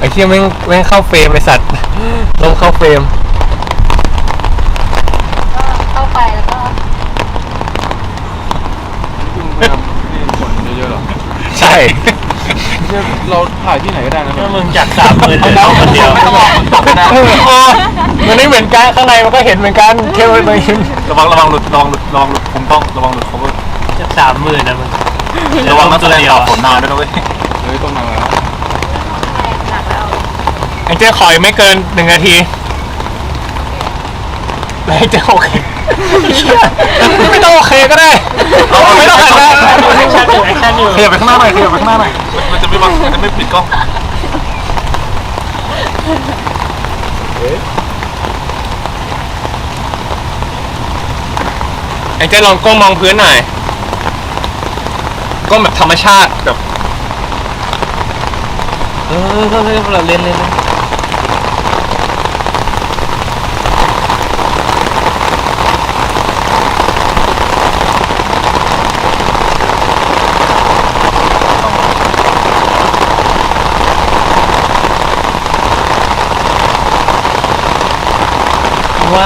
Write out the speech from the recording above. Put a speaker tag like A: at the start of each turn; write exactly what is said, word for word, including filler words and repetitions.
A: ไอ้เหี้ยแม่งแม่งเข้าเฟรมไอ้สัตว์ลมเข้าเฟรม
B: ก็เข้าไปแล้วก็
C: คุณพยายามนี่คนเยอะๆหรอ
A: ใช่
C: เราถ่ายที่ไหนก็ได้นะ
D: มึงจากสามหมื่นเหลือคนเดียว
C: ไม่ต้องมองตกนะ
A: มันไม่เหมือนกันข้างในมันก็เห็นเหมือนกันแค่ว่ามัน
C: ระวังระวังหลุดระวังหลุดระวังหลุดผมต้องระวังหลุดเขาก็
D: จากสามหมื่นนะมึง
C: ระวังนักแสดงต่อผลนานด้วยนะเว้ยเฮ้ยต้องมาแล้ว
B: หนักแล้ว
A: ไอ้เจ้าขอยไม่เกินหนึ่งนาทีไอ้เจ้าโอเคไม่ต้องโอเคก็ได้ไม่ต้องหันหน้า
D: แอคชั่นอยู่แอคชั่นอยู่
C: ขยับไปข้างหน้าหน่อยขยับไปข้างหน้าหน่อยมันจะไม่บังมันจะไม่ปิดกล้อง
A: ไอ้เจ้าลองก้มมองพื้นหน่อยก้มแบบธรรมชาติแบบ
D: เออเฮ้ยเราเล่นเล่น